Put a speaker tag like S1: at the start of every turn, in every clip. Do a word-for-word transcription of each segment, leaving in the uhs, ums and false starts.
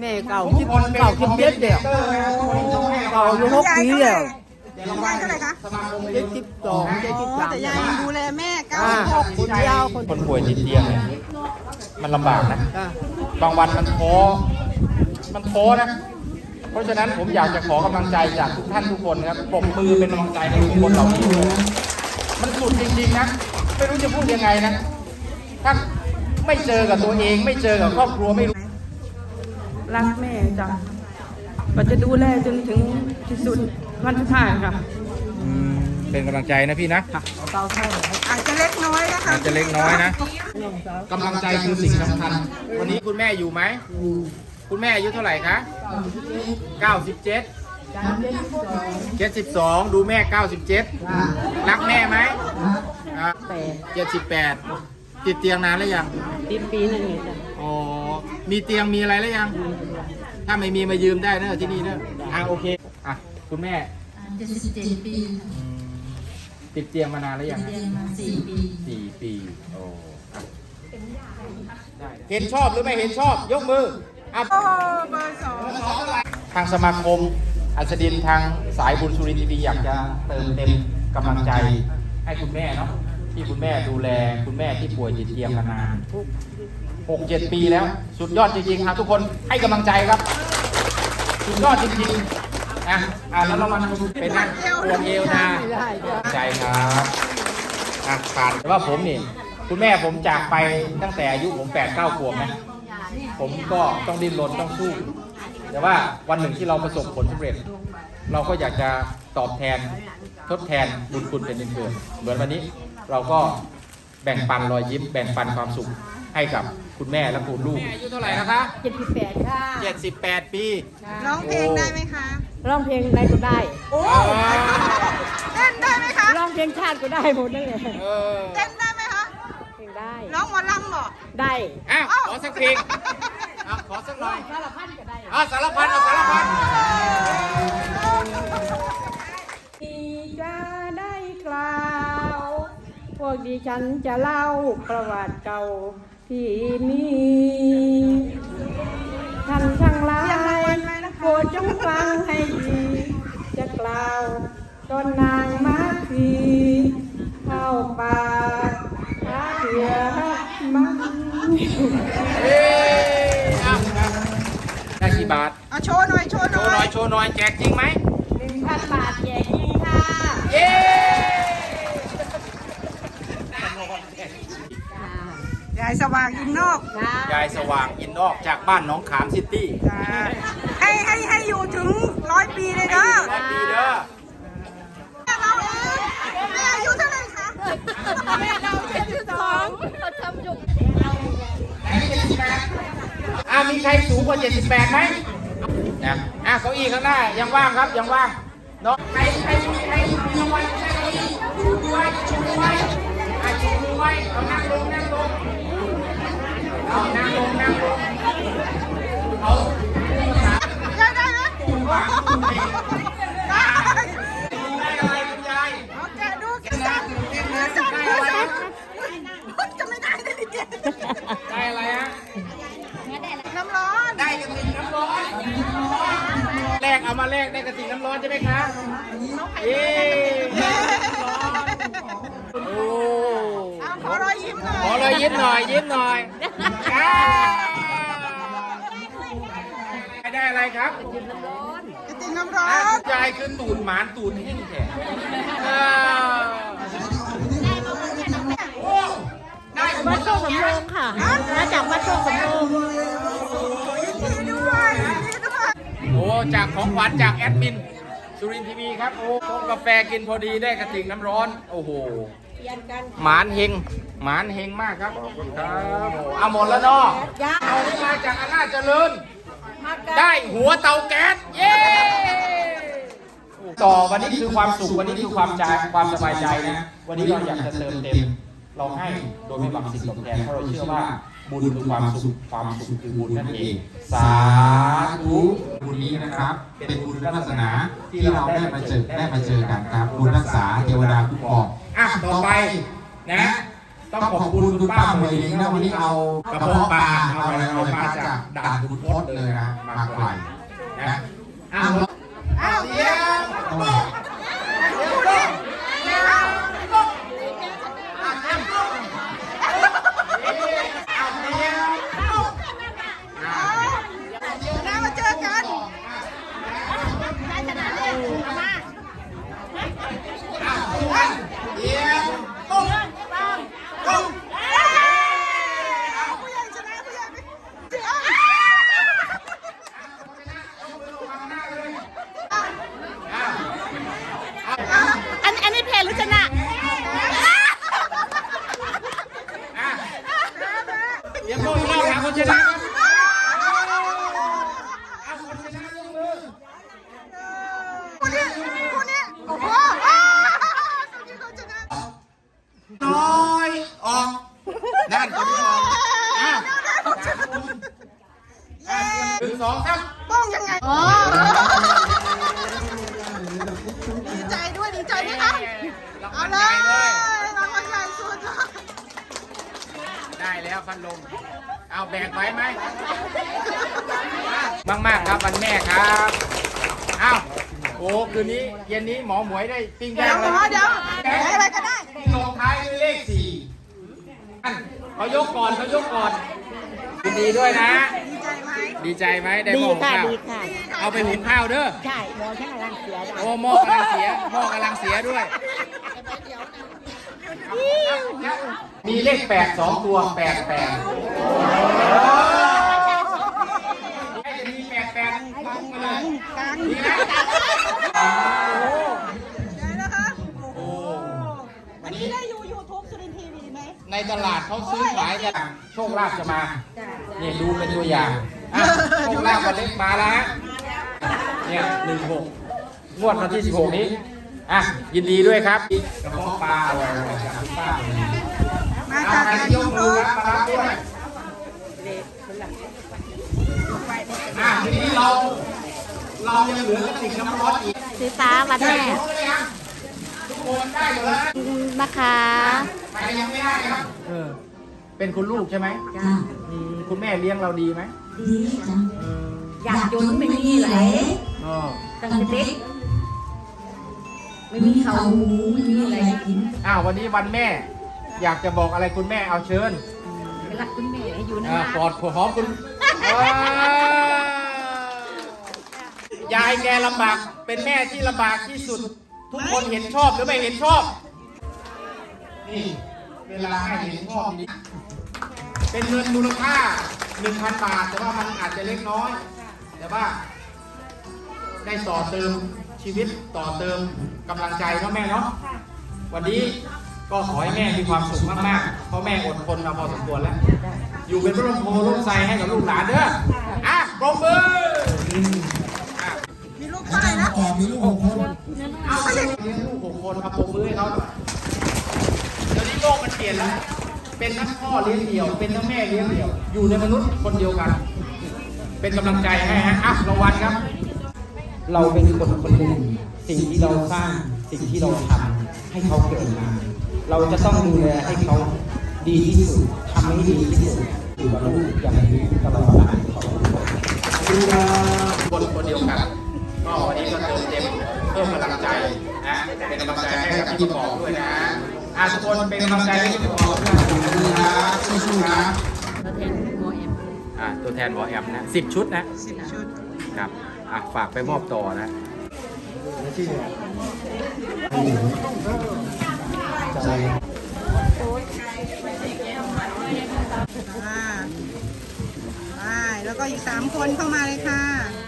S1: แม่เก่าคิดเก่าคิดเจ็ดเดียวเก่าอยู่หกปีแล้ว
S2: ยายเท่าไหร่คะ
S1: เจ็ดสิบสองเจ็ดสิบสาม
S2: แต่ยายยังดูแลแม่เก้า
S1: อ่า
S2: สิบหก
S1: คนเดียวคน
S3: คนป่วยติดเตียงเนี่ยมันลำบากนะ
S1: อ่า
S3: บางวันมันท้อมันท้อนะ เพราะฉะนั้นผมอยากจะขอกำลังใจจากทุกท่านทุกคนครับปรบมือเป็นกำลังใจให้ทุกคนเหล่านี้ด้วยนะมันสุดจริงๆนะไม่รู้จะพูดยังไงนะถ้าไม่เจอกับตัวเองไม่เจอกับครอบครัวไม่รู้
S4: รักแม่จ้ะก็จะดูแลจนถึงที่สุดวันสุดท้ายค่ะ
S3: เป็นกำลังใจนะพี่นะ
S1: เก่าเท่าไหร่
S2: อาจจะเล็กน้อยนะคะ
S3: อาจจะเล็กน้อยนะกำลังใจคือสิ่งสำคัญวันนี้คุณแม่อยู่ไหมคุณแม่อายุเท่าไหร่คะเก้าสิบเจ็ด เจ็ดสิบสองดูแม่เก้าสิบเจ็ดรักแม่ไหมเจ็ดสิบแปดติดเตียงนานแล้วยัง
S4: ติดปีหนึ่งจ้ะ
S3: อ๋อมีเตียงมีอะไรแล้วยัง ถ้าไม่มีมายืมได้เนอะที่นี่เนอะอ่ะโอเคอ่ะคุณแม่
S5: เจ็ดสิบเจ็ดปี
S3: อืมติดเตียงมานานแล้วยัง
S5: เรียนมาสี่ปี
S3: สี่ปีโอ้อ่ะได้เห็นชอบหรือไม่เห็นชอบยกมืออ่ะ
S2: โอ้เบอร์สอง
S3: ทางสมาคมอัศดินทางสายบุญสุรินทร์ทีวีอยากจะเติมเต็มกำลังใจให้คุณแม่เนาะที่คุณแม่ดูแลคุณแม่ที่ป่วยติดเตียงมานานหกเจ็ดปีแล้วสุดยอดจริงๆครับทุกคนให้กำลังใจครับสุดยอดจริงๆนะอ่ะแล้วเรามาเป็นนักปวดเอวนะใจครับอ่ะผ่านแต่ว่าผมนี่คุณแม่ผมจากไปตั้งแต่อายุผมแปดเก้าขวบนะผมก็ต้องดิ้นรนต้องสู้แต่ว่าวันหนึ่งที่เราประสบผลสำเร็จ เราก็อยากจะตอบแทนทดแทนบุญคุณเป็นเกิดเหมือนวันนี้เราก็แบ่งปันรอยยิ้มแบ่งปันความสุขให้กับคุณแม่และคุณลูกอายุเท่าไหร่นะคะ
S4: เจ็ดสิบแปดค่ะ
S3: เจ็ดสิบแปดปี
S2: ร้องเพลงได้ไหมคะ
S4: ร้องเพลงใดก็ได้
S2: โอ้เต้นได้ไหมคะ
S4: ร้องเพลงชาติก็ได้หมดนั่นแหละ
S3: เออ
S2: เต้นได้ไหมคะ
S4: เพลงได้
S2: ร้องหมอลำบ่
S4: ได้
S3: อ้าวขอสักเพลงอ่ะขอสักหน่อย
S4: สารพันก็ได้
S3: อ่ะสารพันเอาสารพัน
S4: ที่จะได้กล่าว พวกดิฉันจะเล่าประวัติเก่าที่มีท่านทั้งหลายโปรดจงฟังให้ดีจะกล่าวตอนนางมาทีเข้าป่าหาเถื่อมัน
S3: เอ้ยอ่ะได้กี่บาท
S2: เอาโชว์หน่อยโชว์ห
S3: โช
S2: น่
S3: ว์หน่
S2: อ
S3: อย ยโชว์หน่อยแจกจริงไหม
S4: หนึ่งพันบาทแจกจริงค่ะ
S3: เย้
S2: ยายสว่างอินนอก
S3: ยายสว่างอินนอกจากบ้านหนองขามซิตี้
S2: จ้าให้ให้ให้อยู่ถึงร้อยปีเลยเด้อ
S3: ร้อยปีเด้อ
S2: เราเองแม่อายุเท่าไหร่คะแม่เราเจ็ดสิบสอง
S3: อ่ะมีใครสูงกว่าเจ็ดสิบแปดไหมนะอ่ะเก้าอี้ข้างหน้ายังว่างครับยังว่างเนาะใครใครใครมีรางวัลใครเก้าอี้ชูมือไว้ชูมือไว้อ่ะชูมือไว้เอานั่งลงนั่งลงเอานั่งลงนั่งลงเอา
S2: ได้ได้ไหมได้
S3: ได้อะไรคุณยาย
S2: เอาแกะดูแกะสั่นมือสั่นมือสั่นจะไม่ได้ได้ดิแก
S3: ได้อะไรฮะ
S2: น้ำร้อน
S3: ได้กระติกน้ำร้อนแลกเอามาแลกได้กระติกน้ำร้อนใช่ไหมคะเย้โอ้
S2: เอาขอรอยยิ้มหน่อย
S3: ขอเลยยิ้มหน่อยยิ้มหน่อยอ่าได้อะไรครับ
S2: กระติกน้ำร้อ
S3: อ่ะ
S2: น
S3: ยายคือตูดหมานตูดแห้งแท้อ่าโอ้ได้
S4: วัดโชคสำโรงค่ะมาจากวัดโชคสำโรง
S2: ยินดีด้วยยินดีด้วย
S3: โอ้จากของขวัญจากแอดมินสุรินทร์ทีวีครับโอ้ชงกาแฟกินพอดีได้กระติกน้ำร้อนโอ้โหหมานเฮงหมานเฮงมากครับขอบคุณครับโอ้เอาหมดแล้วเนาะเอาที่มาจากอำนาจเจริญได้หัวเตาแก๊สเย้ต่อวันนี้คือความสุขวันนี้คือความใจความสบายใจนะวันนี้เราอยากจะเติมเต็มเราให้โดยไม่หวังสิ่งตอบแทนเพราะเราเชื่อว่าบุญคือความสุขความสุขคือบุญนั่นเองสาธุบุญนี้นะครับ เป็นบุญวาสนาที่เราได้มาเจอได้มาเจอกันครับบุญรักษาเทวดาคุ้มครองอ่ะต่อไปนะต้องขอบคุณคุณป้าหมวยหญิงนะวันนี้เอากระเพาะปลาเอาอะไรเอามาจากด่านคุณพจน์เลยนะมาไกลนะอ้าวอ้าวเยี่ยม
S2: นะมาเจอกันได้ชนะเลยมา
S3: เยี่ยม
S2: ตุ้มตุ้มผู้ใหญ่ชนะผู้ใหญ่อันอันนี้แพ้หรือชนะ
S3: เยี่ยมโก้อีกแล้วหาคนชนะเอาคนชนะยกมือ
S2: คนนี้คนนี้โอ้โหคนนี้เขาชนะ
S3: น้อยออกด้านคนที่ออกอ้าวหนึ่งสองสาม
S2: ป้องยังไงอ๋อดีใจด้วยดีใจไหมคะเอาเลยรางวัลใหญ่สุด
S3: ได้แล้วพันลมเอาแบกไว้ไหมมากมากๆครับวันแม่ครับอ้าวโอ้คืนนี้เย็นนี้หมอหมวยได้ปิ้ง
S2: เดี๋
S3: ย่าย ง
S2: ว
S3: เลย
S2: เดี๋ยวอะไรก็ได้
S3: ลงท้ายด้วยเลขสี่เขายกก่อนเขายกก่อนยินดีด้วยนะ
S2: ดีใจไหม
S3: ดีใจไหมได้หม้อหุงข้าวเอาไปหุงข้าวเด้อ
S1: ใช่หมอช่างกำลังเสีย
S3: โอ้หม้อกำลังเสียหม้อกำลังเสียด้วยมีเลขแปดสองตัวแปดแปดมีแปดแปดพุ่งมาเลยดีนะ
S2: ได้แล้วคะ
S3: โอ้
S2: อันนี้ได้ยูยูทูบสุรินทร์ทีวีไหม
S3: ในตลาดเขาซื้อขายกันโชคลาภจะมาเนี่ยดูเป็นตัวอย่างอ่ะโชคลาภวันเล็กมาแล้วฮะเนี่ยหนึ่งหกงวดวันที่สิบหกนี้อ่ะยินดีด้วยครับกระเพาะปลาอร่อยๆจากคุณป้า
S2: มา
S3: เอา
S2: จาก
S3: ใคร
S2: การ
S3: ที่ย
S2: ยู
S3: กมื
S2: ทู
S3: อบ ครับมารับด้วยอ่ะทีนี้เราเรายังเหลือกระติกน้ำร้อนอีก
S1: สีฟ้าวันแม่
S3: ทุกคนได้หมดแล้ว
S1: นะคะ
S3: ใครยังไม่ได้ครับเออเป็นคุณลูกใช่ไหม
S5: จ้า
S3: อืมคุณแม่เลี้ยงเราดีไหม
S5: ดีจัง
S3: เออ
S5: อยากจนไม่มีไหล
S3: อ๋อ
S5: ตั้งแต่เด็กไม่มีเขาหูไม่มีอะไรกิน
S3: อ้าววันนี้วันแม่ อยากจะบอกอะไรคุณแม่เอาเชิญ
S5: รักคุณแม่ให้อยู่
S3: อ่าน
S5: าน
S3: ปอดหอมคุณว้าวยายแกลำบากเป็นแม่ที่ลำบากที่สุด ทุกคนเห็นชอบหรือไม่เห็นชอบ นี่เวลาให้เห็นชอบนี้เป็นเงินมูลค่า หนึ่งพัน บาท แต่ว่ามันอาจจะเล็กน้อย แต่ว่า ได้ต่อเติมชีวิตต่อเติมกำลังใจเนาะแม่เนาะวันนี้ก็ขอให้แม่มีความสุขมากๆเพราะแม่อดทนมาพอสมควรแล้ว อยู่เป็นร่มโพร่มไทรให้กับลูกหลานเด้ออ่ะปรบมืออ่ะ
S2: มีลูกเท่าไหร่นะ
S3: เอาเลี้ยงลูกหกคนเอาปรบมือให้เขาเดี๋ยวนี้โลกมันเปลี่ยนแล้ว เป็นทั้งพ่อเลี้ยงเดี่ยว เป็นทั้งแม่เลี้ยงเดี่ยว อยู่ในมนุษย์คนเดียวกัน เป็นกำลังใจให้ฮะอ่ะรางวัลครับ เราเป็นคนคนหนึ่งสิ่งที่เราสร้างสิ่งที่เราทำให้เขาเกิดมาเราจะต้องดูแลให้เขาดีที่สุดทำให้ดีที่สุดอยู่กับลูกอย่างนี้ตลอดไปคนคนเดียวกันก็วันนี้ก็เติมเต็มเพิ่มกำลังใจนะเป็นกำลังใจให้กับพี่บอกด้วยนะอาทุกคนเป็นกำลังใจให้พี่บอกด้วยนะสู้ๆนะ
S5: ตัวแทนโมเอ็ม
S3: อ่าตัวแทนวอแอมนะสิบชุดนะสิบชุดครับอ่ะฝากไปมอบต่อนะใจ
S2: อ่าไปแล้วก็อีกสามคนเข้ามาเลยค่ะ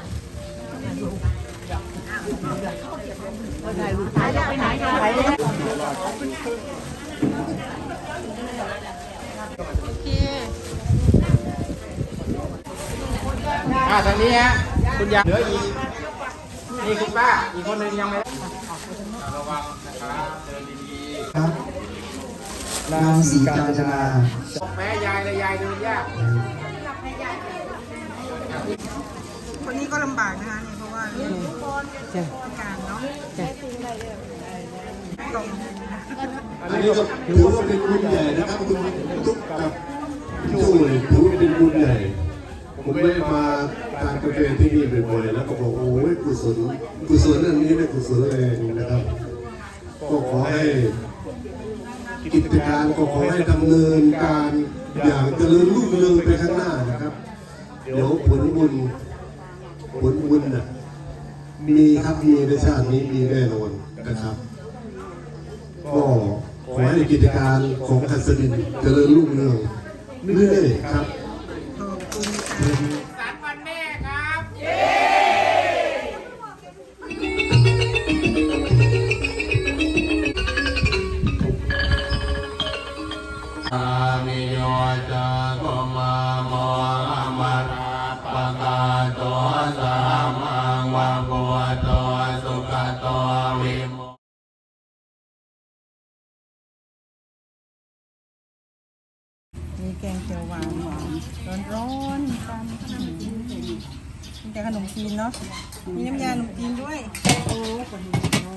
S2: โอเค
S3: อ่าทางนี้ฮะคุณยายเหลืออีกนี่คุณป้าอีกคนหนึ่งยังไม่ได้ระวังนะครับเดินดีๆ
S6: ครับนางศรีการจนา
S3: แม่ยายเลยยายเดินยาก
S2: คนนี้ก็ลำบากนะคะเนี่ยเพราะว่าเรื่องพิการเนาะ
S7: อันนี้ก็ถือว่าเป็นบุญใหญ่นะครับคุณทุกกับช่วยถือว่าเป็นบุญใหญ่ผมไม่ได้มาทานกาแฟที่นี่บ่อยๆแล้วก็บอกโอ้ยกุศลกุศลเรื่องนี้เป็นกุศลแรงนะครับก็ขอให้กิจการก็ขอให้ดำเนินการอย่างเจริญรุ่งเรืองไปข้างหน้านะครับเดี๋ยวผลบุญผลบุญน่ะมีครับมีในชาตินี้มีแน่นอนนะครับก็ขอให้กิจการของหัสดินเจริญรุ่งเรืองเรื่อยๆครับ
S3: สันวันแม่ครับ
S7: อามิโยจะโกมาโมอามาราปะกาโตสามังวะโกโตสุขโตวิโม
S4: มีแกงเขียวหวานหวานร้อนร้อนๆกันมีแต่ขนมจีนเนาะมีน้ำยาขนมจีนด้วยโอ้ขนมจีน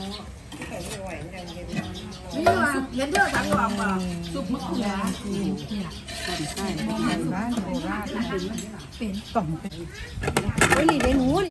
S4: นี่ว่าเย็นเยอะจังหวะป่ะซุปมะเขือจีนใช่บ้านโบราณเป็นกล่องเป็นโอ้ยนี่เดี๋ยวหนู